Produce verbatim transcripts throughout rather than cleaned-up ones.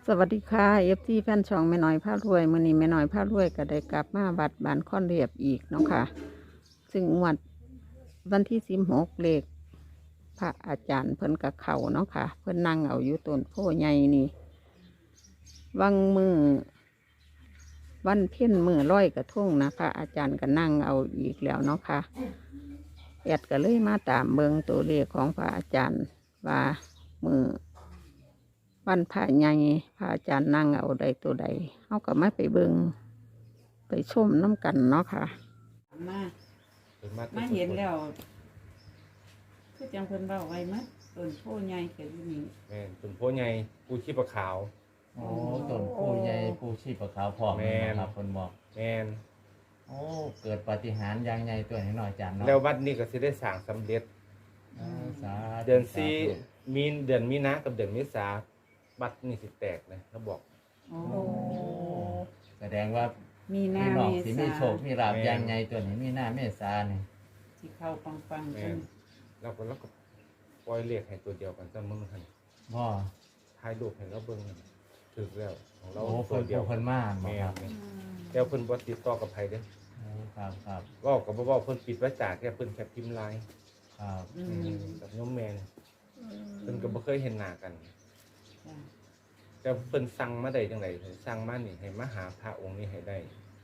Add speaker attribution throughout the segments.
Speaker 1: สวัสดีค่ะเอฟซีแฟนช่องแม่น้อยพารวยมื้อนี้แม่น้อยพารวยก็ได้กลับมาบัดบานค่อนเรียบอีกเนาะค่ะซึ่งงวดวันที่สิบหกเลขพระอาจารย์เพิ่นกับเขาเนาะค่ะเพิ่นนั่งเอาอยู่ต้นโพใหญ่นี่วังมือวันเพ็ญมือร้อยกระทงนะพระอาจารย์ก็นั่งเอาอีกแล้วเนาะค่ะแอดก็เลยมาตามเบิงตัวเลขของพระอาจารย์ว่ามือ วันพระใหญ่พระอาจารย์นั่งเอาใดตัวใดเขาก็ไม่ไปเบิงไปชมน้ำกันเนาะค่ะมามาเห็นแล้วคือจังเพิ่นเบ้าไว้มั้ยต้นโพใหญ่ก็อยู่นี่
Speaker 2: แม่นต้นโพใหญ่ปูชีพขาว
Speaker 3: โอ้ต้นผู้ใหญ่ผู้ชีพขาวพร้อม
Speaker 2: แม่น
Speaker 3: ครับคนบอก
Speaker 2: แม่น
Speaker 3: โอ้เกิดปาฏิหาริย์อย่างใหญ่ตัวให้หน่อยจานเนาะ
Speaker 2: แล้ววัดนี้ก็สิได้สร้างสำเร็จ
Speaker 3: อ่าสาธุ
Speaker 2: เดือนสี่
Speaker 3: สาธุ
Speaker 2: มีเดือนมีนากับเดือนเมษาวัดนี่สิแตกนะเขาบอก
Speaker 1: โอ้
Speaker 3: โอ้แสดงว่า
Speaker 1: มีหน้า
Speaker 3: พี่น้อง
Speaker 1: เม
Speaker 3: สิ
Speaker 1: ษา
Speaker 3: มีโชคมีลาภอย่างใหญ่ตัวนี้มีหน้าเมษานี่
Speaker 1: ที่เข้าปังๆ
Speaker 2: แม่
Speaker 1: กัน
Speaker 2: นแล้วก็แล้วก็ปล่อยเลขให้ตัวเดียวกันซะมึงหั่น
Speaker 3: บ่
Speaker 2: ถ่ายรูปให้เราเบิ่งนั่นถึกแล้วของเรา
Speaker 3: โอ้
Speaker 2: ตั
Speaker 3: เพิ่
Speaker 2: วน เดียว
Speaker 3: ผู้เพิ่นมาบ่
Speaker 2: แม่
Speaker 3: ครับ
Speaker 2: นแล้วเพิ่นบ่ติดต่อกับไผเด้อ
Speaker 3: โอ้ครับครับ
Speaker 2: เว้าก็บ่เว้าเพิ่นปิดไว้จากแค่เพิ่นแค่พิมพ์ไลน์
Speaker 3: ครับ
Speaker 1: อืม
Speaker 2: กับโยมแม่นเพิ่นก็บ่เคยเห็นหน้ากัน
Speaker 1: จ้ะ
Speaker 2: แต่เพิ่นสั่งมาได้จังไดสั่งมานี่ให้มาหาพระองค์นี้ให้ได้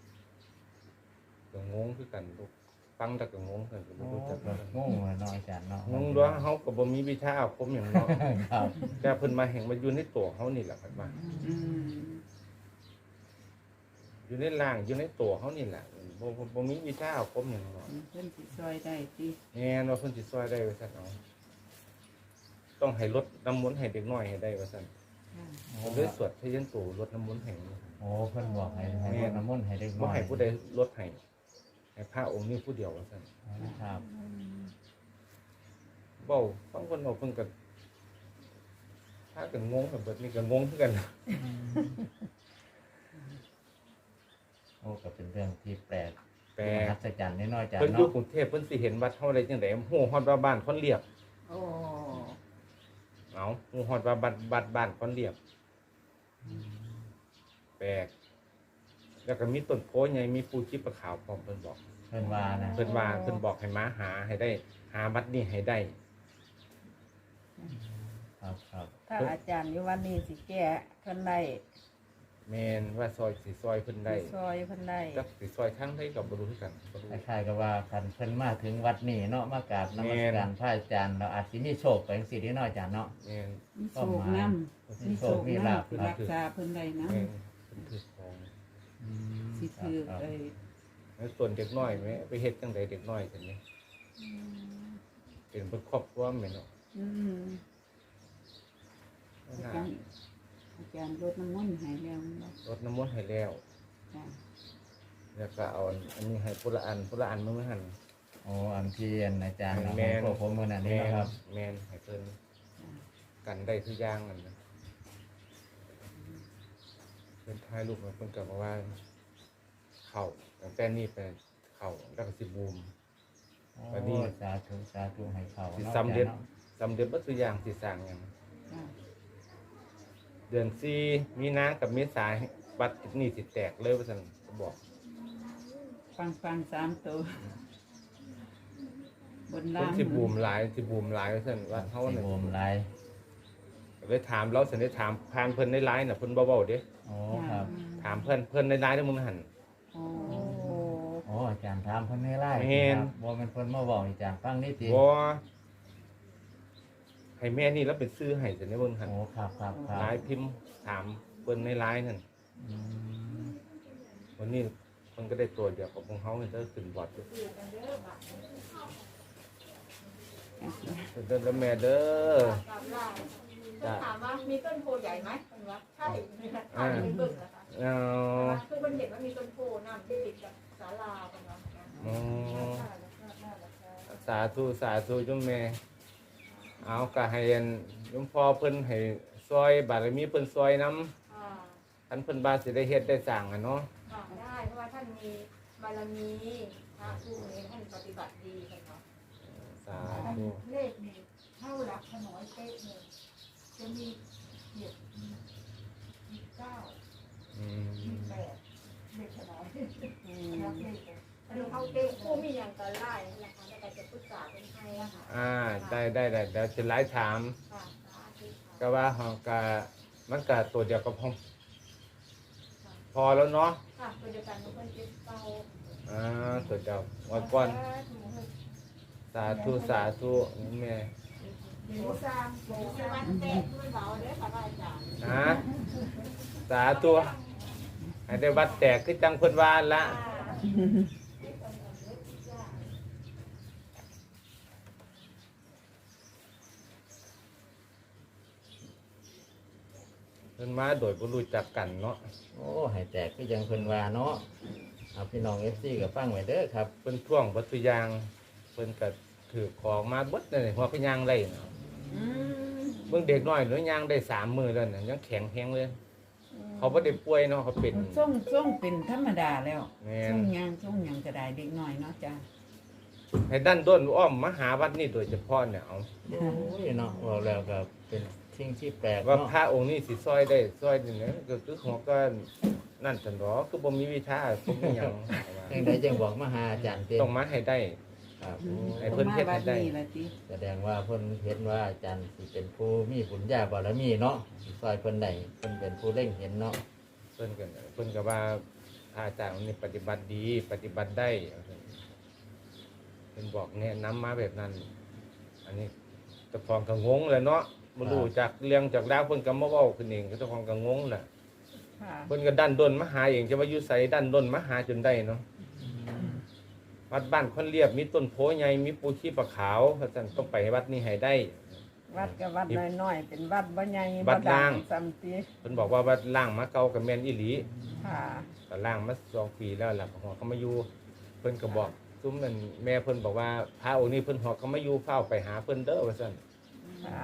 Speaker 2: ก็งงคือกันลูกฟังแต่ก็งงกันก็บ่
Speaker 3: โอ้
Speaker 2: รู้จัก
Speaker 3: ก็งงเลยเนาะอาจารย์เนาะ
Speaker 2: งงด้วยเฮาก็บ่มีวิชาอาคมหยังเนาะ
Speaker 3: ครับ
Speaker 2: แต่เพิ่นมาแห่งมาอยู่ในตัวเฮานี่แหละครับว่า
Speaker 1: อืม
Speaker 2: อยู่ในร่างอยู่ในตัวเฮานี่แหละบ่บ่บ่มีวิชาอาคมหยังเนาะ
Speaker 1: เพิ่นสิซอยได้ติ
Speaker 2: แม่นว่าเพิ่นสิช่วยได้ว่าซั่นเอาต้องให้ลดน้ำมนต์ให้เด็กน้อยให้ได้ว่าซั่น
Speaker 1: ค่ะ
Speaker 3: โอ้
Speaker 2: เพิ่นเลยสวดพยัญชนะลดน้ำมนต์ให้
Speaker 3: โอ้เพิ่นบอกให้ให้รดน้ำมนต์ให้เด็กน้
Speaker 2: บ่
Speaker 3: อย
Speaker 2: ให้ผู้ใดลดให้ให้พระองค์นี้ผู้เดียวว่าซั่น
Speaker 3: ครับ
Speaker 2: เว้าฟังเพิ่นเว้าเพิ่นก็ถ้าก็งงแบบเบิดนี่ก็งงคือกัน
Speaker 3: โอ้ก็เป็นเรื่องที่แปลก
Speaker 2: แต่
Speaker 3: มหัศจรรย์น้อยๆจาน
Speaker 2: เพิ่นอยู่
Speaker 3: เนาะ
Speaker 2: กรุงเทพเพิ่นสิเห็นวัดเฮาได้จังได๋ฮู้ฮอดว่าบ้านคนเรียบ
Speaker 1: โอ้
Speaker 2: เอาฮู้ฮอดว่าบ้านบ้านบ้านคนเรียบแปลกแล้วก็มีต้นโพใหญ่มีปูชีพขาวพร้อมเพิ่นบอก
Speaker 3: เพิ่นว่านะ
Speaker 2: เพิ่นว่าเพิ่นบอกให้มาหาให้ได้ หาวัดนี้ให้ได้
Speaker 3: ครับครับ
Speaker 1: ถ้าอาจารย์อยู่วันนี้สิแก้เพิ่นได้
Speaker 2: แม่นว่าซอยสิซอยเพิ่นได้
Speaker 1: สิซอยเพิ่นได้
Speaker 2: จักสิซอยทางใดก็บ่รู้คือกันบ่รู้
Speaker 3: คล้ายๆกับว่าคันเพิ่นมาถึงวัดนี้เนาะมากราบนมัสการพระอาจารย์เราอาจสิมีโชคไปจังซี่เด้น้อยจานเนาะ
Speaker 2: แม่น
Speaker 1: มีโชคนำ มีโชคลาภรักษาเพิ่นได้นะ
Speaker 2: แม่นเพิ่นถือของ
Speaker 3: อืม
Speaker 1: สิถือ
Speaker 3: ครับ
Speaker 1: ไอ้
Speaker 2: แล้วส่วนเด็กน้อยแม่ไปเฮ็ดจังไดเด็กน้อยซั่นนี่เป็นเพิ่นครอบครัวแม่นเนาะ
Speaker 1: อืมอา
Speaker 2: น่า
Speaker 1: จารย์อาจารย์รดน้ำมนต์ให้แล้วเนาะ
Speaker 2: รดน้ำมนต์ให้แล้ว
Speaker 1: จ้ะ
Speaker 2: แล้วก็เอาอันนี้ให้ผู้ละอันผู้ละอันมื้อหั่น
Speaker 3: โอ้อันที่อันอาจารย์เรา
Speaker 2: แม่น
Speaker 3: พวกผมมื้อนั้นนี่
Speaker 2: แม่น
Speaker 3: นะครับ
Speaker 2: แม่นให้เพิ่น
Speaker 1: จ้ะ
Speaker 2: กันได้ทุกอย่างนั่นนะเพิ่นถ่ายรูปมาเพิ่นก็บอกว่า เข้าตั้งแต่นี้ไปเข้าแล้วก็สิบูม วันนี้
Speaker 3: โอ้สาธุสาธุให้เขา
Speaker 2: สิ
Speaker 3: เนาะ
Speaker 2: สำเร็จ
Speaker 3: อาจารย์นาะ
Speaker 2: สำเร็จบ่ทุกอย่างสิสร้างหยัง
Speaker 1: จ้ะ
Speaker 2: เดือนสี่มีนากับเมษาบัตรนี่สิแตกเลยว่าซั่นก็บอก
Speaker 1: ฟังฟังสามตัวบน
Speaker 2: เพิ่
Speaker 1: ล่าน ง
Speaker 2: สิบูมหลายสิบูมหลายว่าซั่นว่าเฮา
Speaker 3: สิ
Speaker 2: น่ะ
Speaker 3: โอมหลาย
Speaker 2: เลยถามเราสิได้ถามผ่านเพิ่นในไลน์น่ะเพิ่นบ่เว้าเด้
Speaker 3: โอ้ครับ
Speaker 2: ถามเพิ่นเพิ่นในไลน์เด้อมึงหั่น
Speaker 1: โอ้
Speaker 3: โอ้อาจารย์ถามเพิ่นให้ไล่
Speaker 2: แม่น
Speaker 3: ครับบ่แม่นเพิ่นมาบอกอาจารย์ฟังนี่ติ
Speaker 2: บ่ให้แม่นี่แล้วเป็นซื้อให้ซั่นเด้อเบิ่งหั่น
Speaker 3: โอ้ครับครับครั
Speaker 2: ไล
Speaker 3: บ
Speaker 2: น์พิมพ์ถามเพิ่นในไลน์นั่น
Speaker 3: อืม
Speaker 2: วันนี้เพิ่นก็ได้ตัวเดียวกับของเฮาเด้อขึ้นบอร์ดอยู่เด้อเด้อแม่เด้อ
Speaker 4: จะถามว่ามีต้นโพใหญ่ไหมคุณวะใช่ถ่ายเป็นบึ้งนะคะ
Speaker 2: เอา
Speaker 4: คือคนเห็นว่ามีต้นโพน้ำที่ติดกับศาลาคุณวะ
Speaker 2: อ๋อสาธุสาธุจุมแม่ เอาก็ให้อันหลวงพ่อเพิ่นให้ซอยบารมีเพิ่นซอยนำ
Speaker 4: อ่า
Speaker 2: ท่านเพิ่นบาสิได้เฮ็ดได้สร้างอ่ะเนาะ
Speaker 4: อ่าได้เพราะว่าท่านมีบารมีพระผู้นี้ท่านปฏิบัติดีค่ะเนาะ
Speaker 2: สาธุ
Speaker 5: เลขนี่เท่าหลักขน้อยเป๊ะเลยจะมีเหยียดมี
Speaker 4: อันนี้เอาเต็มคู่มีอย่างกันไล่นะคะในการจะปรึกษาเป็นใครอะค่ะ
Speaker 2: อ่าได้ได้ได้เดี๋ยวจะไล่ถาม
Speaker 4: ค่ะสาธุ
Speaker 2: ก็ว่าเฮาก็มันก็ตัวเดียวก็พอพอแล้วเนาะ
Speaker 4: ค่ะตัวเดียวกันทุกคนเจ็บเบา
Speaker 2: อ่าตัวเดียววันก่อนสาธุสาธุนี่แม่
Speaker 4: หมูซามหมูซามเตะมันเบาเด้อค่ะอาจารย์
Speaker 2: นะสาธุให้ได้วัดแตกคือจังเพิ่นว่าละ เพิ่นมาโดยบ่รู้จักกันเนาะ
Speaker 3: โอ้ให้แตกก็ยังเพิ่นว่าเนาะเอาพี่น้องเอฟซีกับฟังไว้เด้อครับ
Speaker 2: เพิ่นท่วงวัตถุอยางเพิ่นก็ถือของมาเบิดเลยหัวก็ย่างได้เนาะเบิ่งเด็กน้อยหรือย่างได้สามมื้อแล้วน่ะยังแข็งแรงเลย เขาบ่ได้ป่วยเนาะเขาเป็น
Speaker 5: ส่งส่งเป็นธรรมดาแล้ว
Speaker 2: แม่น
Speaker 5: ส่งหยังส่งหยังก็ได้เด็กน้อยเนาะจ้ะ
Speaker 2: ให้ดันด้นอ้อมมาหาวัดนี่โดยเฉพาะเนี่ยเอา
Speaker 3: โอ้ยเนาะบอกแล้วก็เป็นสิ่งที่แปลก
Speaker 2: ว่า
Speaker 3: เนาะ
Speaker 2: พระองค์นี้สิซอยได้ซอยนี่นะก็คือหัวก็นั่นซั่นดอกคือบ่มีวิชาบ่มีหยัง
Speaker 3: จังไดจังบอกมาหาอาจารย์เต้
Speaker 2: ต้องมาให้ได้
Speaker 3: ครับ
Speaker 2: ให้เพิ่นเฮ็ดให้ได้
Speaker 5: ต้องมาบันี่ล่ะติ
Speaker 3: แสดงว่าเพิ่นเห็นว่าอาจารย์สิเป็นผู้มีบุญญาบารมีเนาะสิซอยเพิ่นได้เพิ่นเป็นผู้เล่งเห็นเนาะ
Speaker 2: เพิ่นก็เพิ่นก็ว่าพระอาจารย์องค์นี้ปฏิบัติดีปฏิบัติได้เพิ่นบอกแนะนำมาแบบนั้น อันนี้เจ้าของก็งงเลยเนาะบ่รู้จักเรื่องจากราวเพิ่นก็มาเว้าขึ้นเองเจ้าของก็งงน่ะ
Speaker 1: ค่ะ
Speaker 2: เพิ่นก็ดันด้นมาหาเองจะว่าอยู่ไสดันด้นมาหาจนได้เนาะวัดบ้านคนเรียบมีต้นโพใหญ่มีปูชีปะขาวเพราะฉะนั้นต้องไปวัดนี้ให้ได้
Speaker 1: วัดกับวัดน้อยๆเป็นวัดบ่ใหญ่
Speaker 2: วัดล่าง
Speaker 1: ซ้ํติ
Speaker 2: เพิ่นบอกว่าวัดล่างมาเก่ากับแม่นอีหลี
Speaker 1: ค่ะ
Speaker 2: ก็ล่างมาสองปีแล้วล่ะหัวเขามาอยู่เพิ่นก็บอกซุ้มนั่นแม่เพิ่นบอกว่าพระองค์นี้เพิ่นหัวเขามาอยู่เฝ้าไปหาเพิ่นเด้อว่าซั่น
Speaker 1: ค่ะ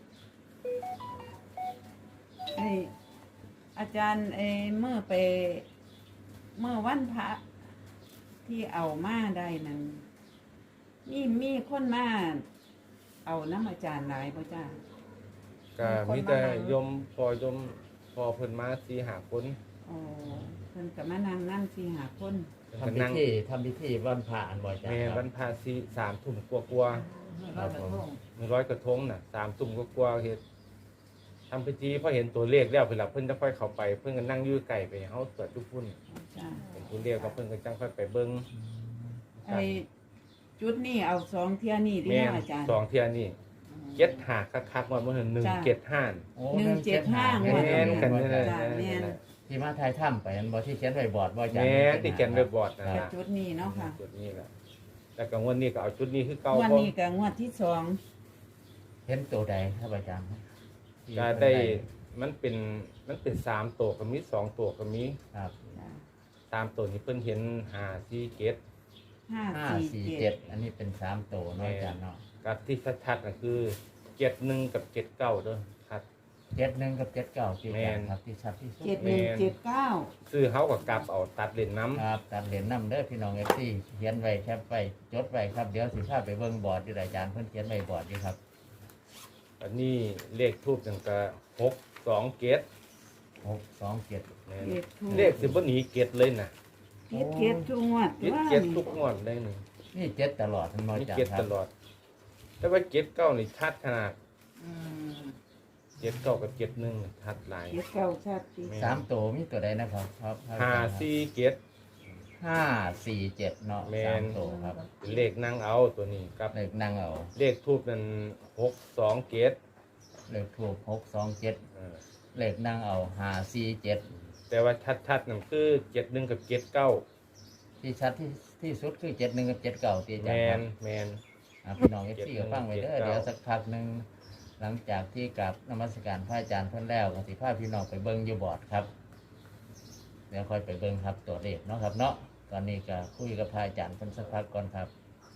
Speaker 5: ไอ้อาจารย์ไอ้เมื่อไปเมื่อวันพระที่เอามาได้นั้นมีมีคนมาเอาน้ำอาจารย์หลายบ่จ้า
Speaker 2: ก็มีแต่โยมพอโยมพอเพิ่นมาสี่ห้าคน
Speaker 5: โอ้เพิ่นก็มานั่งนั่งสี่หาคน
Speaker 2: เพิ่นก็
Speaker 3: ทำพิ
Speaker 2: นั่ง
Speaker 3: ธีทำพิธีวันพระอันบ่อาจาร
Speaker 2: แม่
Speaker 3: ย์ค
Speaker 2: วั
Speaker 3: รับ
Speaker 2: นพาสีสามทุ่มกว่าๆ
Speaker 3: ครับผม
Speaker 2: หนึ่งร้อยกระทงน่ะสามตุ่มก็กลัวาๆเฮ็ดทำพิธีพอเห็นตัวเลขแล้วเพิ่นละเพิ่นจะค่อยเข้าไป เพิ่นก็นั่งอยู่ไก่ไปเฮาตรวจทุกพุ่น
Speaker 5: จ้า
Speaker 2: เห็นตัวเลขก็เพิ่นก็จังค่อยไปเบิ่ง
Speaker 5: ไอ้จุดนี่เอาสองเที่ยนี่ที่
Speaker 2: แม่น
Speaker 5: เนาะอาจารย์
Speaker 2: สองเที่ยนี่เจ็ดหาคักๆว่ามื้อหนึ่ง
Speaker 5: จ้ะ
Speaker 2: เจ็ดห้า
Speaker 3: โอ้
Speaker 5: หนึ่งเจ็ดห้า
Speaker 3: แม่
Speaker 2: แม่นกันนี่แหละ
Speaker 5: จ้ะแม่น
Speaker 3: ที่มาทายถ้ำไปอันบ่ที่เขียนไว้บอร์ดบ่อาจารย์
Speaker 2: แม่ที่เขียนไว้บอร์ดนั่น
Speaker 5: แต่
Speaker 2: ล่ะ
Speaker 5: จุดนี้เนาะค่ะ
Speaker 2: จุดนี้ล่ะแต่ก็งวดนี้ก็เอาชุดนี้คือเก่า
Speaker 5: วัน
Speaker 2: เพราะ
Speaker 5: นี้ก็งวดที่สอง
Speaker 3: เห็นตัวใดครับอาจารย์
Speaker 2: ก็ได้มันเป็นมันเป็นสามตัวก็มีสองตัวก็มี
Speaker 3: ครับ
Speaker 5: จ้ะ
Speaker 2: สามตัวนี้เพิ่นเห็นห้าสี่เกต
Speaker 5: ห้า
Speaker 3: ห้า
Speaker 5: สี่
Speaker 3: สี่
Speaker 5: เจ็
Speaker 3: เจ็
Speaker 5: ด
Speaker 3: ดอันนี้เป็นสามตัวเนาะอาจารย์เนาะ
Speaker 2: กับที่ชัดๆก็คือเจ็ดหนึ่งกับเจ็ดเก้าเด้อครับ
Speaker 3: เจ็ดหนึ่งกับเจ็ดเก้าที่อาจารย์
Speaker 2: แม่น
Speaker 3: ครับที่ชัดที่สุด
Speaker 5: เจ็ดหนึ่งเจ็ดเก้า
Speaker 2: ซื้อเฮากับกลับเอาตัดเล่นน้ำ
Speaker 3: ครับตัดเหรียญนำเด้อพี่น้องเอฟซีเขียนไว้แคปไว้จดไว้ครับเดี๋ยวสิพาไปเบิ่งบอร์ดที่อาจารย์เพิ่นเขียนไว้บอร์ดอยู่ครับ
Speaker 2: อันนี้เลขทูบจังกะหกสองเกต
Speaker 3: หกสองเจ็ด
Speaker 5: เจ็ดทุก
Speaker 2: เลขสิบ่หนีเกตเลยนะ
Speaker 5: เจ็ดเจ็ดทุกงวด
Speaker 2: เกต
Speaker 5: ว่า
Speaker 2: เกตทุกงวดได้หนึ่ง
Speaker 3: นี่เจ็ดตลอดทั้งหมด
Speaker 2: มี
Speaker 3: อาจาร
Speaker 2: เกต
Speaker 3: ย์ครั
Speaker 2: ต
Speaker 3: บ
Speaker 2: ลอด แต่ว่าเกตเก้านี่ชัดขนาด
Speaker 5: อืม
Speaker 2: เกตเก้ากับเกตหนึ่งชัดหลาย
Speaker 5: เจ็ดเก้าชัดสิ
Speaker 3: สามตัวมีตัวใดนะครับครับ
Speaker 2: ห้าสี่เกต
Speaker 3: ห้าสี่เจ็ดเนาะ
Speaker 2: แม่น
Speaker 3: สามตัวครับ
Speaker 2: เป็นเลขนั่งเอาตัวนี้กับ
Speaker 3: เลขนั่งเอา
Speaker 2: เลขทูบนั้นหกสองเกต
Speaker 3: เลขถูกหกสองเจ็ด
Speaker 2: เออ
Speaker 3: เลขนั่งเอาห้าสี่เจ็ด
Speaker 2: แต่ว่าชัดๆนั่นคือเจ็ดหนึ่งกับเกตเก้า
Speaker 3: ที่ชัดที่ที่สุดคือเจ็ดหนึ่งกับเจ็ดเก้าตีอา
Speaker 2: แม
Speaker 3: จารย์ครั
Speaker 2: น
Speaker 3: บ
Speaker 2: แมน
Speaker 3: อ่ะพี่น้องเอฟซี
Speaker 2: เจ็
Speaker 3: ก็
Speaker 2: ดหนึ่ง
Speaker 3: ฟังไว้เด้อ
Speaker 2: เจ็ดเก้า
Speaker 3: เดี๋ยวสักพักหนึ่งหลังจากที่กลับนมัสการพระอาจารย์เพิ่นแล้วก็สิพาพี่น้องไปเบิ่งอยู่บอร์ดครับ เดี๋ยวค่อยไปเบิ่งครับตัวเลขเนาะครับเนาะตอนนี้ก็คุยกับพระอาจารย์เพิ่นสักพักก่อนครับ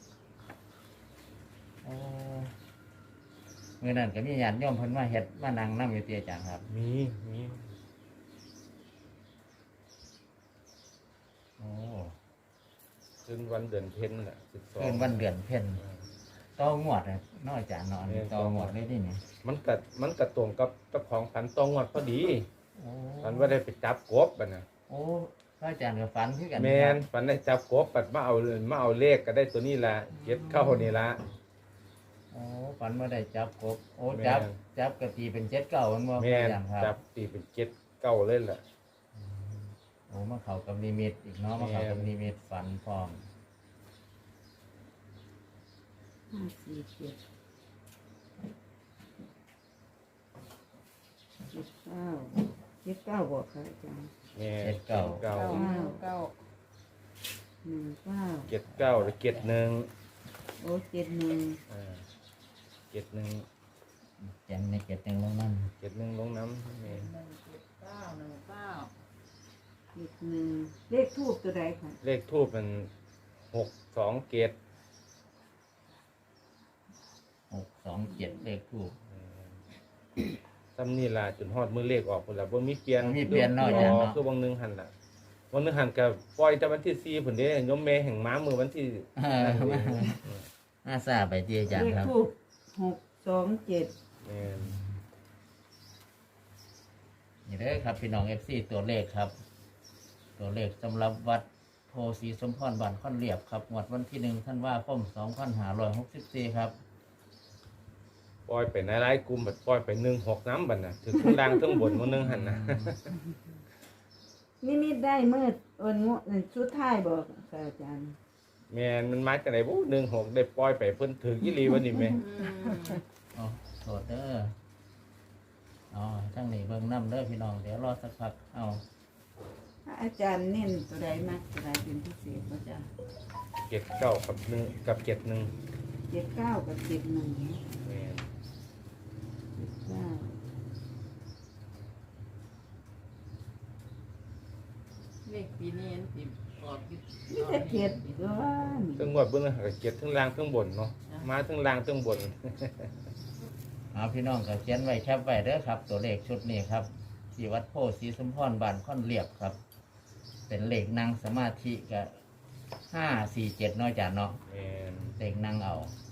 Speaker 3: โอ้เมื่อนั้นก็มีญาติโยมเพิ่นมาเฮ็ดมานั่งนำอยู่ที่อาจารย์ครับ
Speaker 2: มีมี
Speaker 3: โอ้
Speaker 2: คืนวันเดือนเพ็ญแหละสิบสอง
Speaker 3: คืนวันเดือนเพ็ญต่องวดน่ะเนาะอาจารย์เนาะอันนี้ต่องวดเลยนี่นี่
Speaker 2: มันกัดมันกัดตรงกับเจ้าของพันตองวดพอดี
Speaker 3: โอ้
Speaker 2: พันว่าได้ไปจับกบบัดนะ
Speaker 3: โอ้พระอาจารย์ก็ฝันคือกัน
Speaker 2: แมนฝันได้จับกบปัดมาเอามาเอาเลขก็ได้ตัวนี้ละเจ็ดเข้านี่ละ
Speaker 3: โอ้ฝันว่าได้จับกบโอ้
Speaker 2: แม่น
Speaker 3: จับจับกะตีเป็นเจ็ดเก่ามันบ่พ
Speaker 2: แม
Speaker 3: ระอาน จารย์ค
Speaker 2: จั
Speaker 3: รั
Speaker 2: บบ ตีเป็นเจ็ดเก้าเลยล่ะ
Speaker 3: โอ้มาเข้ากับนิมิตอีกเนาะมาเข้ากับนิมิตฝันพร้อม
Speaker 5: ห้าสี่เจ็ดเจ็ดเก้าเจ็ดเก้าบอกค่ะอาจารย์
Speaker 2: แม่น
Speaker 3: เจ็ดเก้า
Speaker 2: เก้า
Speaker 4: เก้าเก้า
Speaker 5: หนึ่งเก้า
Speaker 2: เจ็ดเก้าหรือเจ็ดหนึ่ง
Speaker 5: โอ้เจ็ดหนึ่ง
Speaker 2: อ่าเจ็ดหนึ่ง
Speaker 3: แจงในเจ็ดหนึ่งลงนั่น
Speaker 2: เจ็ดหนึ่งลงน้ำแม่น
Speaker 4: หนึ่งเจ็ดเก้าหนึ่งเก้า
Speaker 5: เจ็ดหนึ่งเลขทูบตัวใดค่ะ
Speaker 2: เลขทูบมันหกสองเกต
Speaker 3: หกสองเจ็ดเลขทูบ
Speaker 2: ซ้ำนี่ล่ะจนฮอดมือเลขออกพุ่นล่ะบ่มีเปลี่ยน
Speaker 3: บ่มีเปลี่ยนเนาะอาจารย์เนาะ
Speaker 2: คือบางหนึงหั่นล่ะบางหนึงหั่นก็ปล่อยแต่วันที่สี่พุ่นเด้ยมแม่แห่งม้ามือวันที่
Speaker 3: เออน่าทราบไปที่อาจาร
Speaker 5: เล
Speaker 3: ย์
Speaker 5: ข
Speaker 3: ครับ
Speaker 5: ทูบหกสองเจ็ด
Speaker 2: แม่น
Speaker 3: นี่เด้อครับพี่น้องเอฟซีตัวเลขครับ ตัวเลขสำหรับวัดโพสีสมพรบ้านค่อนเรียบครับงวดวันที่หนึ่งท่านว่าคมสองพันห้าร้อยหกสิบสี่ครับ
Speaker 2: ปล่อยไปในหลายกลุ่มบัดปล่อยไปหนึ่งหกน้ำบัดน่ะถึงข้างล่างทั้งบนมื้อนึงหั่นน่ะ
Speaker 5: นี่มิดได้เมื่อวันงวดชุดท้ายบอกค่ะอาจารย์
Speaker 2: แม่นมันมาจากไหนบ่หนึ่งหกได้ปล่อยไปเพิ่นถึงอีหลีวันนี้แม่
Speaker 3: อ๋อโทษเด้ออ๋อทั้งนี้เบิ่งน้ำเด้อพี่น้องเดี๋ยวรอสักพักเอา
Speaker 5: อาจารย์เน้นตัวใดมากตัวใดเป็นพิเศษก็จะ
Speaker 2: เจ็ดเก้ากับหนึ่งกับเจ็ดหนึ่ง
Speaker 5: เจ็ดเก้ากับเจ็ดหนึ่ง
Speaker 2: แม่น
Speaker 5: เจ็ดเก้า
Speaker 4: เลขปีนี้สิบออกยี่สิบ
Speaker 5: นี่จะเจ็ดก็ว่านี่
Speaker 2: ทั้งงวดเบิ่งก็เจ็ดทั้งล่างทั้งบนเนาะมาทั้งล่างทั้งบน
Speaker 3: เอาพี่น้องก็เขียนไว้แคปไว้เด้อครับ ตัวเลขชุดนี้ครับที่วัดโพสีสมพรบ้านค่อนเรียบครับ เป็นเลขนั่งสมาธิกับห้าสี่เจ็ดน้อยจานเนาะ
Speaker 2: แม่น
Speaker 3: เลขนั่งเอา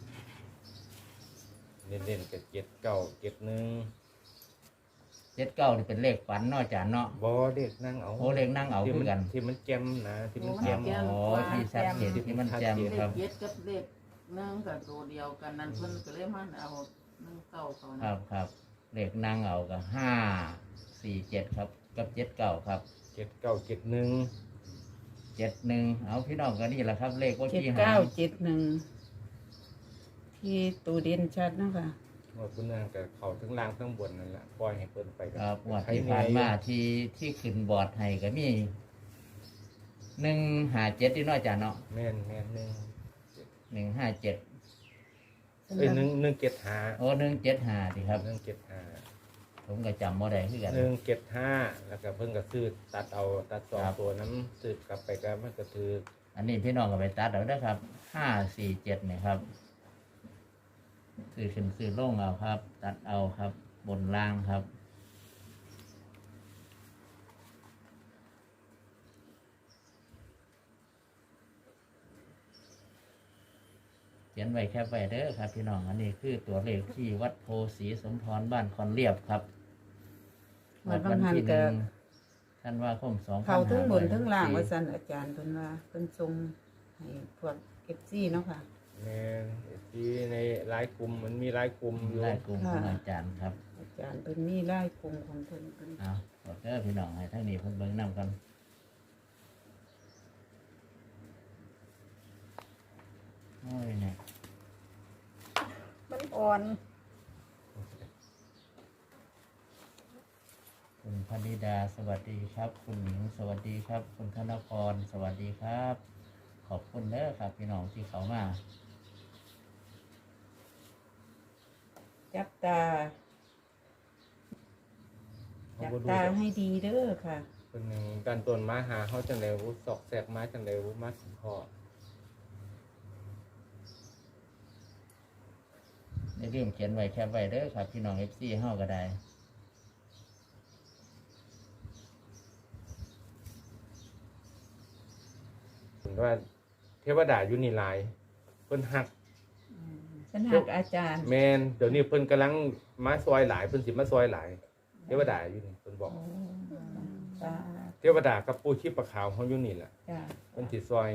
Speaker 2: เล่นๆกับเจ็ดเก้าเจ็ดหนึ่ง
Speaker 3: เจ็ดเก้านี่เป็นเลขฝันน้อยจานเนาะ
Speaker 2: บ่เด็กนั่งเอา
Speaker 3: โอ้เลขนั่งเอา
Speaker 2: ที่
Speaker 3: คื
Speaker 2: มั
Speaker 3: อกัน
Speaker 2: ที่มันแจ่มนะที่มันแจ่ม
Speaker 3: อ๋อที่ชัดเจนที่มันแจ่ม
Speaker 4: เล
Speaker 3: ครั
Speaker 4: ข
Speaker 3: บ
Speaker 4: เจ็ดกับเลขหนึ่งกับตัวเดียวกันนั่นเพิ่นก็เลยมันเอาหนึ่งเก้าเขา
Speaker 3: ค
Speaker 4: นะ
Speaker 3: รับครับเลขนั่งเอากับห้าสี่เจ็ดครับ กับเจ็ดเก้าครับ
Speaker 2: เจ็ดเก้าเจ็ดหนึ่ง
Speaker 3: เจ็ดหนึ่งเอาพี่น้องก็นี่แหละครับ เลขว่า
Speaker 5: เจ็ด
Speaker 3: ที่หา
Speaker 5: เก้าเจ็ดหนึ่งที่ตูเด่นชัดนะคะ
Speaker 2: ว่าคุณนางกับเขาทั้งล่างทั้งบนนั่นแหละปล่อยให้เพิ่นไปกั
Speaker 3: ครับงวดที่ผ่านมาที่ที่ขึ้นบอร์ดให้ก็มีหนึ่งหาเจ็ดที่น้อยจานเนาะ
Speaker 2: แม่นแม่นหนึ่ง
Speaker 3: หนึ่งห้าเจ็ด
Speaker 2: เอ้ยหนึ่งหนึ่งเจ็ดห้า
Speaker 3: โอ้หนึ่งเจ็ดห้าดีครับ
Speaker 2: หนึ่งเจ็ดห้า
Speaker 3: ผมก็จำว่าได้คือกัน
Speaker 2: หนึ่งเจ็ดห้าแล้วก็เพิ่นก็ซื้อตัดเอาตัดสอง
Speaker 3: ครับ
Speaker 2: ตัวน้ำซื้อกลับไปก็มันก็ถือ
Speaker 3: อันนี้พี่น้องก็ไปตัดเอาได้อครับห้าสี่เจ็ดเนี่ยครับซื้อขึ้นซื้อลงเอาครับ ตัดเอาครับ บนล่างครับ เขียนไว้แค่ไว้เด้อครับ พี่น้องอันนี้คือตัวเลขที่วัดโพสีสมพรบ้านคอนเรียบครับ
Speaker 5: วัดบางหัน
Speaker 3: ที่ห
Speaker 5: ก็
Speaker 3: นึ่งท่านว่าคมสอง
Speaker 5: เขาทั้งบนทั้งล่างว่าสันอาจารย์เพิ่นว่าเพิ่นทรงให้พวกเอฟซีเนาะค่ะ
Speaker 2: แม่นที่ในหลายกลุ่มมันมีหลายกลุ่มอยู่
Speaker 3: ได้กลุ่มของอาจารย์ครับ
Speaker 5: อาจารย์เพิ่นมีไล่กลุ่มของเพิ่นเพิ่น
Speaker 3: เอาขอเด้อพี่น้องให้ทั้งนี้เพิ่นเบิ่งนำกันโอ้ยเนี่ย
Speaker 1: มันอ่อน
Speaker 3: คุณพนิดาสวัสดีครับ คุณหญิงสวัสดีครับ คุณธนพรสวัสดีครับ ขอบคุณเด้อครับ พี่น้องที่เขามา
Speaker 5: จับตา จับตาให้ดีเด้อค่ะ
Speaker 2: เพิ่นยังดันต้นมาหาเฮาจังได๋วุสอกแสกมาจังได๋วุมาสิพอ
Speaker 3: ได้เรื่องเขียนไว้แคปไว้เด้อครับ พี่น้องเอฟซีเฮาก็ได้
Speaker 2: เพิ่นว่าเทวดาอยู่นี่หลายเพิ่นฮัก
Speaker 5: ฉันหักอาจารย์
Speaker 2: แม่นเดี๋ยวนี้เพิ่นกำลังมาซอยหลายเพิ่นสิมาซอยหลายเทวดาอยู่นี่เพิ่นบอก
Speaker 5: สาธ
Speaker 2: เทวดากับปู่ชีพขาวเขาอยู่นี่แหละ
Speaker 5: จ้า
Speaker 2: เพิ่นสิซอย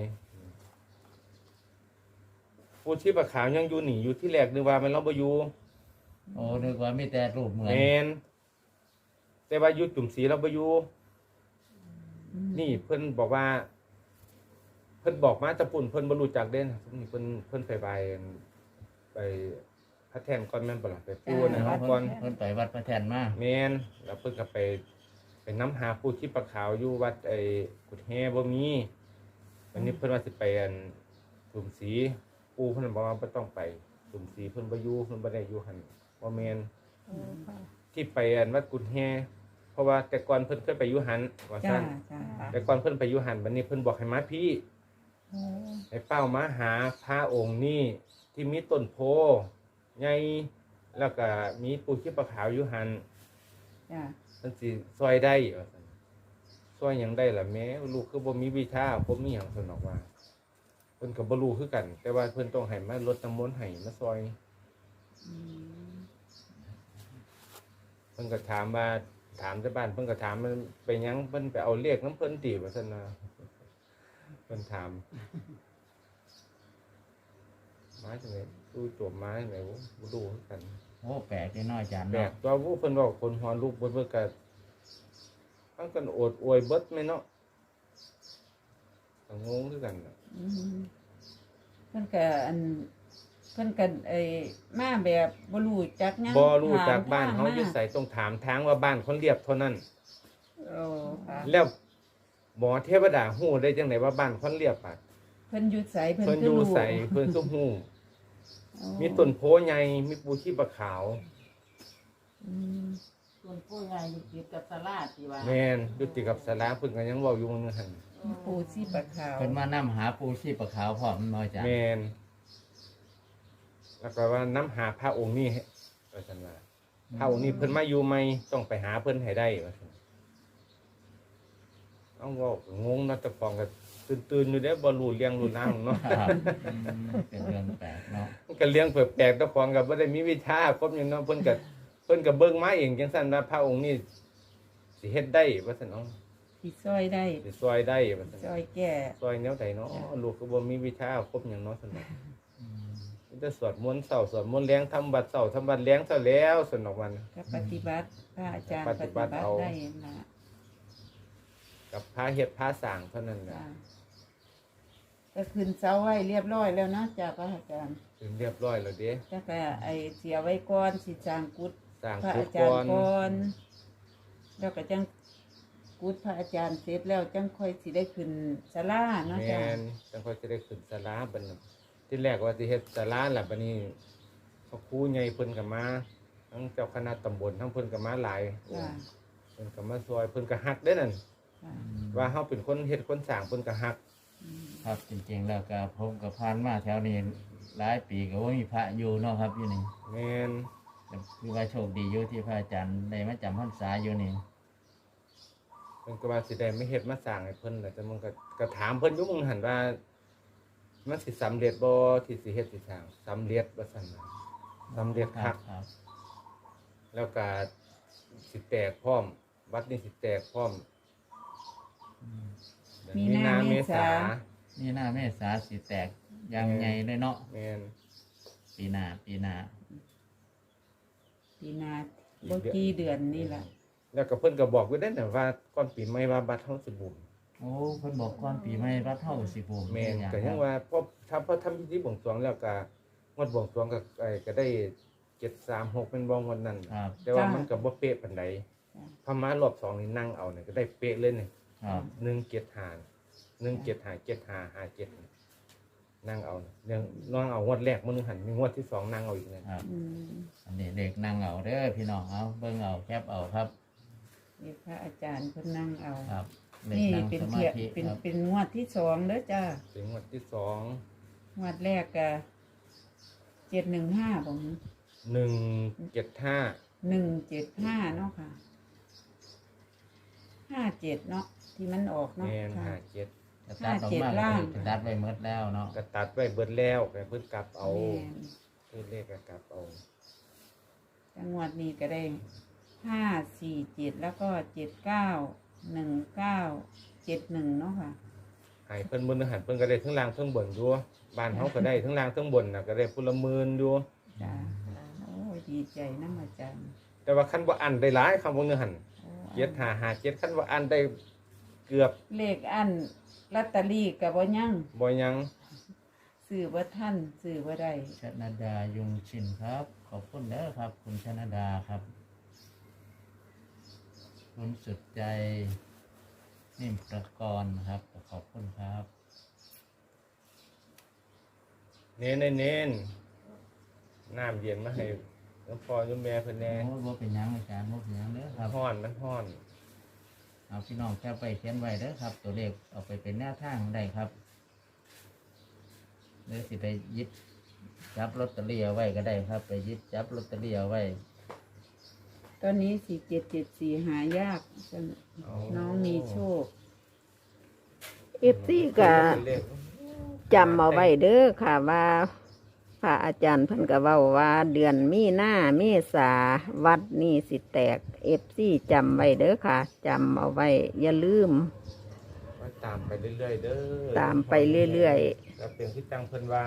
Speaker 2: ปู่ชีพขาวยังอยู่นี่อยู่ที่แรกนึกว่ามันเราบ่อยู่
Speaker 3: โอ้นึกว่ามีแต่รูปเหมือน
Speaker 2: แม่นแต่ว่าอยู่จุ่มสีเราบ่อยู่นี่เพิ่นบอกว่า เพิ่นบอกมาแตะปุ่นเพิ่นบ่รู้จักเด่นนี่เพิ่นเพิ่นไปไปไปพระแท่นก่อนแม่นบ่ล่ะไปปู่นะครับก่อน
Speaker 3: เพิ่นไปวัดพระแทนมา
Speaker 2: แม่นแล้วเพิ่นก็ไปไปนำหาปู่ชีพขาวอยู่วัดไอ้กุดแฮบ่มีวันนี้เพิ่นว่าสิไปอันจุ่มสีปู่เพิ่นบอกว่าบ่ต้องไปจุ่มสีเพิ่นบ่อยู่เพิ่นบ่ได้อยู่หั่นบ่แม่น
Speaker 1: โอ้ค่ะ
Speaker 2: ที่ไปอันวัดกุดแฮเพราะว่าแต่ก่อนเพิ่นเคยไปอยู่หันว่า
Speaker 5: จ้า
Speaker 2: ซั่น
Speaker 5: จ้า
Speaker 2: แต่ก่อนเพิ่นไปอยู่หันบัดนี้เพิ่นบอกให้มาพี่
Speaker 5: โอ้
Speaker 2: ให้เป้ามาหาพระองค์นี้ที่มีต้นโพใหญ่แล้วก็มีปูชีพขาวอยู่หัน
Speaker 5: จ้า
Speaker 2: มันสิซอยได้ว่าซั่นซอยหยังได้ล่ะแม้ลูกคือบ่มีวิชาบ่มีหยังเพิ่นบอกว่าเพิ่นก็บ่รู้คือกัน แต่ว่าเพิ่นต้องให้มารดน้ำมนต์ให้มาซอย
Speaker 5: อืม
Speaker 2: เพิ่นก็ถามว่าถามแต่บ้านเพิ่นก็ถามมันไปหยังเพิ่นไปเอาเลขน้ำเพิ่นติว่าซั่นนะเพิ่นถามมาจังได๋ดูจบมาจังได๋บ่รู้คือกัน
Speaker 3: โอ้แปลกน้อยอาจารย์
Speaker 2: แบ
Speaker 3: เนาะ
Speaker 2: กตัวผู้เพิ่นบอกคนหัวลูกเบิดเบิดก็มันก็โอดอวยเบิดแม่เนาะก็งงคือกันน่ะ
Speaker 5: อืมเพิ่นก็อันเพิ่นก็ไอ้มาแบบบ่รู้จักหยัง
Speaker 2: บ่รู้จากบ้าน
Speaker 5: ถม
Speaker 2: เฮา
Speaker 5: ทง
Speaker 2: อยู่ไสต้องถามทางว่าบ้านคนเรียบเท่านั้น
Speaker 5: โอ้ค่ะ
Speaker 2: แล้วหมอเทวดาฮู้ได้จังไดว่าบ้านคนเรียบอ่ะ
Speaker 5: เพิ่นอยู่ไสเพิ่น
Speaker 2: เพิ่น
Speaker 5: ก็
Speaker 2: อยู่
Speaker 5: รู้
Speaker 2: ไสเพิ่นก็ฮู้
Speaker 5: โอ้
Speaker 2: มีต้นโพใหญ่มีปูชีพขาว
Speaker 5: อืม
Speaker 6: ส่วนผู้ใหญ่อยู่ติดกับสลาที่ว่า
Speaker 2: แม่นอยู่ติดกับศาลาเพิ่นก็ยังเว้าอยู่มื้อหั่น
Speaker 5: ปูชีปลาขาว
Speaker 3: เพิ่นมานํหาปูชีพขาวพร้อมน้อยอาจารย์
Speaker 2: แม่นแล้วก็ว่าน้ำหาพระองค์นี้ให้ว่าซั่นว่าพระองค์นี้เพิ่นมาอยู่ใหม่ต้องไปหาเพิ่นให้ได้ว่าซั่นเอาเว้าก็งงเนาะแต่ฟองก็ตื่นๆอยู่เด้บ่รู้เรื่องรู้นางเนาะ
Speaker 3: ครับอืมเป็นเรื่องแปลกเนาะ
Speaker 2: มันก็เลี้ยงแปลกๆแต่ฟองก็บ่ได้มีวิชาครบหยังเนาะเพิ่นก็เพิ่นก็เบิ่งมาเองจังซั่นว่าพระองค์นี้สิเฮ็ดได้ว่าซั่นเนาะ
Speaker 5: ที่ซอยได้
Speaker 2: สิซอยได้ว่าซั่น
Speaker 5: ซอยแก่
Speaker 2: ซอยแนวใดเนาะลูกก็บ่มีวิชาครบหยังเนาะซั่นเนาะ
Speaker 3: อืม
Speaker 2: มันจะสวดมนต์เช้าสวดมนต์แลงทำบัดเช้าทำบัดแลงเช้าแล้วซั่นเนาะมัน
Speaker 5: ก็ปฏิบัติพระอาจารย์
Speaker 2: ป
Speaker 5: ป
Speaker 2: ฏิ
Speaker 5: ฏิ
Speaker 2: บั
Speaker 5: บั
Speaker 2: ติ
Speaker 5: ติ
Speaker 2: เอา
Speaker 5: ได้นะ
Speaker 2: กับพระเฮ็ดพระสร้างเท่านั้นแหละ
Speaker 5: จ้ะก็ขึ้นเสาไว้เรียบร้อยแล้วนะจ้าพระอาจารย์
Speaker 2: ถึงเรียบร้อยแล้วเด้
Speaker 5: จ้าก็ไอเสียไว้ก่อนสิจางกุด
Speaker 2: สร้าง
Speaker 5: พระ
Speaker 2: กุ
Speaker 5: อา
Speaker 2: ฏ
Speaker 5: จาร
Speaker 2: ก่อ
Speaker 5: ย์
Speaker 2: น
Speaker 5: ก่อนแล้วก็จังกุดพระอาจารย์เสร็จแล้วจังค่อยสิได้ขึ้นศาลาเนาะ
Speaker 2: แม่
Speaker 5: จ้า
Speaker 2: นจังค่อยสิได้ขึ้นศาลาบัดนั้นที่แรกว่าสิเฮ็ดศาลาล่ะบัดนี้พระครูใหญ่เพิ่นก็มาทั้งเจ้าคณะตำบลทั้งเพิ่นก็มาหลาย
Speaker 5: จ้า
Speaker 2: เพิ่นก็มาซอยเพิ่นก็ฮักเด้นั่น
Speaker 5: จ้า
Speaker 2: ว่าเฮาเป็นคนเฮ็ดคนสร้างเพิ่นก็ฮัก
Speaker 5: อืม
Speaker 3: ครับจริงๆแล้วก็ผมกับพานมาแถวนี้หลายปีก็ว่ามีพระอยู่เนาะครับอยู่นี่
Speaker 2: แม่น
Speaker 3: แต่คือว่าโชคดีอยู่ที่พระอาจารย์ได้มาจำพรรษาอยู่นี่
Speaker 2: เพิ่นก็ว่าสิได้ไม่เฮ็ดมาสร้างให้เพิ่นแหละแต่มันก็ก็ถามเพิ่นอยู่มึงหั่นว่ามันสิสำเร็จบ่ที่สิเฮ็ดสิสร้างสำเร็จว่าซั่นน่ะสำเร็จคัก
Speaker 3: ครับ
Speaker 2: แล้วก็สิแตกพร้อม วัดนี้สิแตกพร้อม
Speaker 3: อืม
Speaker 2: เดือนมีนาเมษา
Speaker 3: นี่หน้าเมษาสิแตกอยังไงเลยเนาะ
Speaker 2: แม่น
Speaker 3: ปีหน้าปีหน้า
Speaker 5: ปีหนาบ่กี่เดือนนี่ล่ะ
Speaker 2: แล้วก็เพิ่นก็บอกไว้ได้น่ะว่าก่อนปีใหม่ว่าบัดเฮาสิบุญ
Speaker 3: โอ้เพิ่นบอกก่อนปีใหม่รัดเท่าสิบูม
Speaker 2: แม่น
Speaker 3: อย่าง
Speaker 2: ก็ยังว่าพอทำพอทำพิธีบวงสรวงแล้วก็งวดบวงสรวงก็ไอ้ก็ได้เจ็ดสามหกเป็นบ่งวันนั้น
Speaker 3: ครับ
Speaker 2: แต่ว่ามันก็บ่เป๊ะปานใด
Speaker 5: จ้ะ
Speaker 2: พอมารอบสองนี่นั่งเอาเนี่ยก็ได้เป๊ะเลยนี่
Speaker 3: ครับ
Speaker 2: หนึ่งเจ็ดห้าหนึ่งเจ็ดห้าเจ็ดห้าห้าเจ็ดนั่งเอาเรื่องนั่งเอางวดแรกมื้อนึงหันมีงวดที่สองนั่งเอาอีกนะครับ
Speaker 5: อืม
Speaker 3: อันนี้เด็กนั่งเอาเด้อพี่น้องเอาเบิ่งเอาแคบเอาครับ
Speaker 5: นี่พระอาจารย์เพิ่นนั่งเอา
Speaker 3: ครับเด็ก
Speaker 5: นี่
Speaker 3: นั่ง
Speaker 5: เป็น
Speaker 3: สมา
Speaker 5: เทีย
Speaker 3: ธิ
Speaker 5: เป็น
Speaker 3: ครับ
Speaker 5: เป็นงวดที่สองเด้อจ้า
Speaker 2: เป็นงวดที่สอง
Speaker 5: งวดแรกก็เจ็ดหนึ่งห้าผม
Speaker 2: หนึ่งเจ็ดห้า
Speaker 5: หนึ่งเจ็ดห้าเนาะค่ะห้าเจ็ดเนาะที่มันออกเนาะ
Speaker 2: แม่น
Speaker 5: ค่ะ
Speaker 2: ห้าเจ็ด
Speaker 3: จะตัดออกมา
Speaker 5: ห้าเจ็ดล่าง
Speaker 3: จะตัดไว้หมดแล้วเนาะ
Speaker 2: ก็ตัดไว้เบิดแล้วก็เพิ่นกลับเอา
Speaker 5: แม่น
Speaker 2: เพิ่นเลขก็กลับเอา
Speaker 5: จังหวัดนี้ก็ได้ห้าสี่เจ็ดแล้วก็เจ็ดเก้าหนึ่งเก้าเจ็ดหนึ่งเนาะค่ะ
Speaker 2: ใหายเพิ่นบนหันเพิ่นก็ได้ทั้งล่างทั้งบนอยู่บ้านเขาก็ได้ทั้งล่างทั้งบนน่ะก็ได้พุละหมื่นอยู่
Speaker 5: จ้าโอ้ยดีใจน้ำอาจารย์
Speaker 2: แต่ว่าคันว่าอันได้หลายคำว่าเนื้อหัน
Speaker 5: โอ้
Speaker 2: เจ็ดหาหาเจ็ดคันว่าอันได้เกือบ
Speaker 5: เลขอันลอตเตอรี่กับบ่ยัง
Speaker 2: บ่ยัง
Speaker 5: ซื้อบ่ท่านซื้อบ่ได้
Speaker 3: ชนดายุงชินครับ ขอบคุณเด้อครับ คุณชนดาครับ คุณสุดใจนิ่มประกรณ์ครับขอบคุณครับ
Speaker 2: เน้นเน้นเน้นน้ำเย็นมาให้หลวงพ่อหลวงแม่เพิ่นแน่
Speaker 3: โอ้ยบ่เป็นหยังอาจารย์บ่เป็นหยังเด้อครับ
Speaker 2: ฮ้อนมันฮ้อน
Speaker 3: เอาพี่น้องแค่ไปเขียนไว้เด้อครับ ตัวเลขเอาไปเป็นแนวทางได้ครับหรือสิไปหยิบจับลอตเตอรี่เอาไว้ก็ได้ครับ ไปหยิบจับลอตเตอรี่เอาไว้
Speaker 5: ตอนนี้สี่เจ็ดเจ็ดสี่หายากน้องมีโชค
Speaker 1: เอฟซีก็จำเอาไว้เด้อค่ะว่าพระอาจารย์เพิ่นก็เว้าว่าเดือนมีนาเมษาวัดนี่สิแตกเอฟซีจำไว้เด้อค่ะจำเอาไว้อย่าลืม
Speaker 2: ว่าตามไปเรื่อยๆเด้อ
Speaker 1: ตามไปเรื่อย
Speaker 2: ๆแล้วเป็นที่จังเพิ่นว่า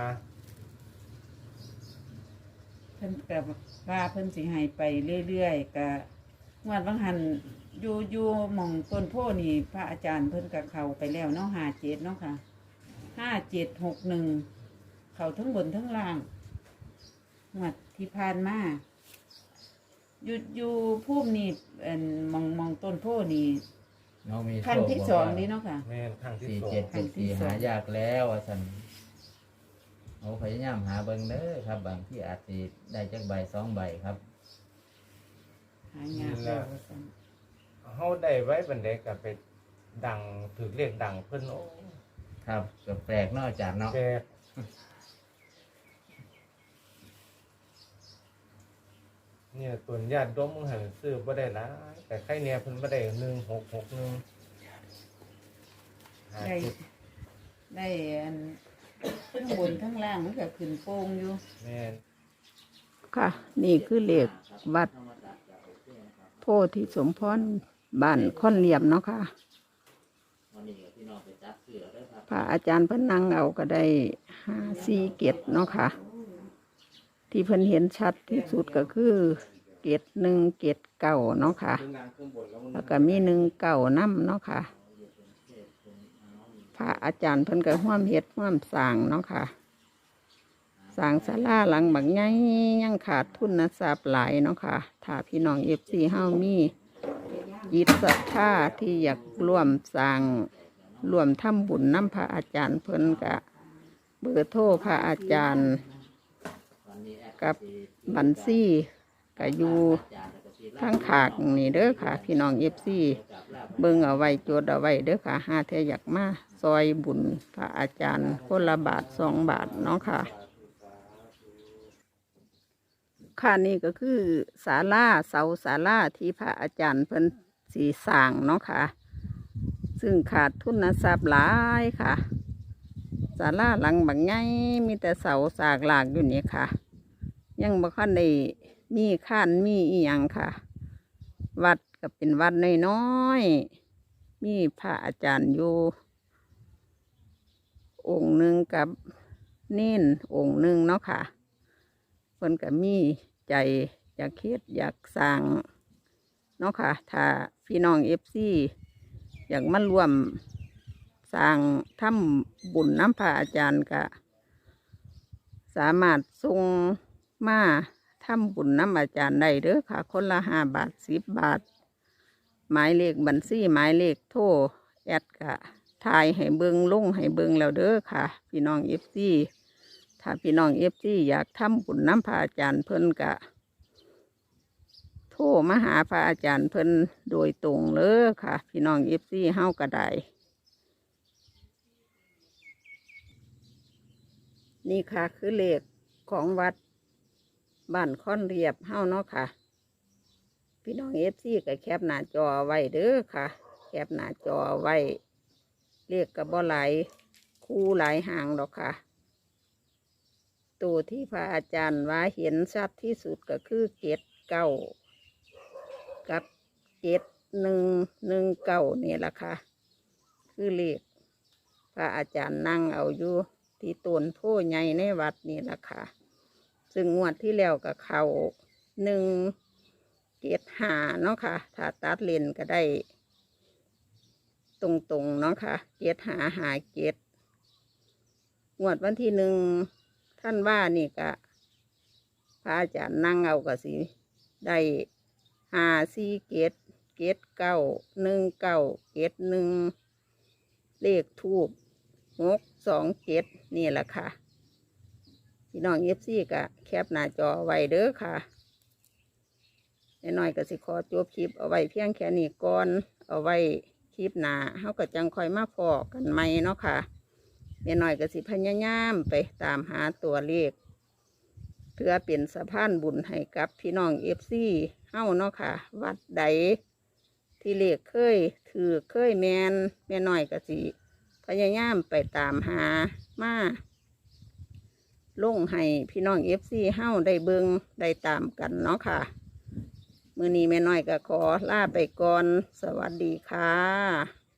Speaker 5: เพิ่นกับว่าเพิ่นสิให้ไปเรื่อยๆกะงวดบางหันอยู่อยู่หม่องต้นโพนี่พระอาจารย์เพิ่นกับเขาไปแล้วเนาะห้าเจ็ดเนาะค่ะห้าเจ็ดหกหนึ่งเขาทั้งบนทั้งล่างงวดที่ผ่านมาอยู่อยู่ภูมินี่เอ็นหมองหมองต้นโพนี่
Speaker 3: น้องมีโช
Speaker 5: ขั้น
Speaker 3: ค
Speaker 5: ที่
Speaker 3: บอก
Speaker 5: สอง
Speaker 3: ว่า
Speaker 5: นี่เนาะค่ะ
Speaker 2: แม่นทางที่
Speaker 3: สี่
Speaker 2: สอง
Speaker 3: เจ็ดเจ็ดสี่หายากแล้วอาสันเอาพยายามหาเบิ่งเด้อครับ บางที่อาจสิได้จักใบสองใบครับ
Speaker 5: หายากแล้วว่าซั่น
Speaker 2: เฮาได้ไว้บันไดก็ไปดังถือเลขดังเพิ่นโอ้
Speaker 3: ครับก็แปลกเนอกจากเนาะ
Speaker 2: แปลกเนี่ยตัวนญาติดมมึงหันซื้อบ่ได้หลายแต่ใครเนี่ยเพิ่นบ่ได้หนึ่งหกหกหนึ่งห้า
Speaker 5: ได้
Speaker 2: เจ็ด
Speaker 5: ได้อันทั้งบนทั้งล่างมันก็ขึ้นโป่งอยู่
Speaker 2: แม่น
Speaker 1: ๆค่ะ นี่คือเลขวัดโพธิสมพรบ้านค่อนเหลี่ยมเนาะค่ะ
Speaker 3: วันนี้พี่น้องไปจับเสือเด้อครับ
Speaker 1: พระอาจารย์เพิ่นนั่งเอาก็ได้ห้าสี่เกตเนาะค่ะ ที่เพิ่นเห็นชัดที่สุดก็คือเกตหนึ่งเกตเก่าเนาะค่ะ แล้วก็มีหนึ่งเก่าน้ำเนาะค่ะ พระอาจารย์เพิ่นก็ห่วมเฮ็ดห่วมสร้างเนาะค่ะสร้างศาลาหลังบักใหญ่ยังขาดทุนทรัพย์หลายเนาะค่ะ ถ้าพี่น้องเอฟซีเฮามีจิตศรัทธาที่อยากร่วมสร้างร่วมทำบุญน้ำพระอาจารย์เพิ่นกะเบอร์โทรพระอาจารย์กับบัญชีก็อยู่ทั้งขากนี่เด้อค่ะ พี่น้องเอฟซีเบิ่งเอาไว้จดเอาไว้เด้อค่ะหาเทอยากมาซอยบุญพระอาจารย์คนละบาทสองบาทเนาะค่ะ ค่ะนี่ก็คือศาลาเสาศาลาที่พระอาจารย์เพิ่นสีสร้างเนาะค่ะ ซึ่งขาดทุนทรัพย์หลายค่ะศาลาหลังบางไงมีแต่เสาสากหลากอยู่นี่ค่ะ ยังบ่คันได้มีข้านมีอีหยังค่ะ วัดก็เป็นวัดน้อยๆมีพระอาจารย์อยู่องค์หนึ่งกับเน้นองค์หนึ่งเนาะค่ะเพิ่นก็มีใจอยากเฮ็ดอยากสร้างเนาะค่ะถ้าพี่น้องเอฟซีอยากมาร่วมสร้างทำบุญน้ำพระอาจารย์ก็สามารถส่งมาทำบุญน้ำอาจารย์ได้เด้อค่ะ คนละห้าบาทสิบบาท หมายเลขบัญชีหมายเลขโทรแอดกะทายให้เบิงลงให้เบิงแล้วเด้อค่ะ พี่น้องเอฟซีถ้าพี่น้องเอฟซีอยากทำบุญน้ำพระอาจารย์เพิ่นกะโทรมาหาพระอาจารย์เพิ่นโดยตรงเลยค่ะ พี่น้องเอฟซีเฮาก็ได้นี่ค่ะคือเลขของวัดบ้านค่อนเรียบเฮาเนาะค่ะ พี่น้องเอฟซีก็แคปหน้าจอไว้เด้อค่ะ แคปหน้าจอไว้เลขกับบ่หลายคู่หลายหางดอกค่ะ ตัวที่พระอาจารย์ว่าเห็นชัดที่สุดก็คือเกตเก้ากับเกตหนึ่งหนึ่งเก้านี่แหละค่ะ คือเลขพระอาจารย์นั่งเอาอยู่ที่ต้นโพใหญ่ในวัดนี่แหละค่ะ ซึ่งงวดที่แล้วกับเขาหนึ่งเกตหาเนาะค่ะ ถ้าตัดเลนก็ได้ ตรงๆเนาะค่ะเกตหาหาเกตงวดวันที่หนึ่งท่านว่านี่กะพระอาจารย์นั่งเอาก็สิได้หาสี่เกตเกตเก้าหนึ่งเก้าเกตหนึ่งเลขทูบหกสองเกตนี่แหละค่ะพี่น้องเอฟซีกะแคปหน้าจอไว้เด้อค่ะน้อยๆก็สิขอจบคลิปเอาไว้เพียงแค่นี้ก่อนเอาไว้คลิปหน้าเฮาก็จังคอยมาพอกันใหม่เนาะค่ะแม่น้อยก็สิพยายามไปตามหาตัวเลขเพื่อเป็นสะพานบุญให้กับพี่น้องเอฟซีเฮาเนาะค่ะวัดใดที่เลขเคยถือเคยแมนแม่น้อยก็สิพยายามไปตามหามาลงให้พี่น้องเอฟซีเฮาได้เบิงได้ตามกันเนาะค่ะมื้อนี้แม่น้อยก็ขอลาไปก่อนสวัสดีค่ะ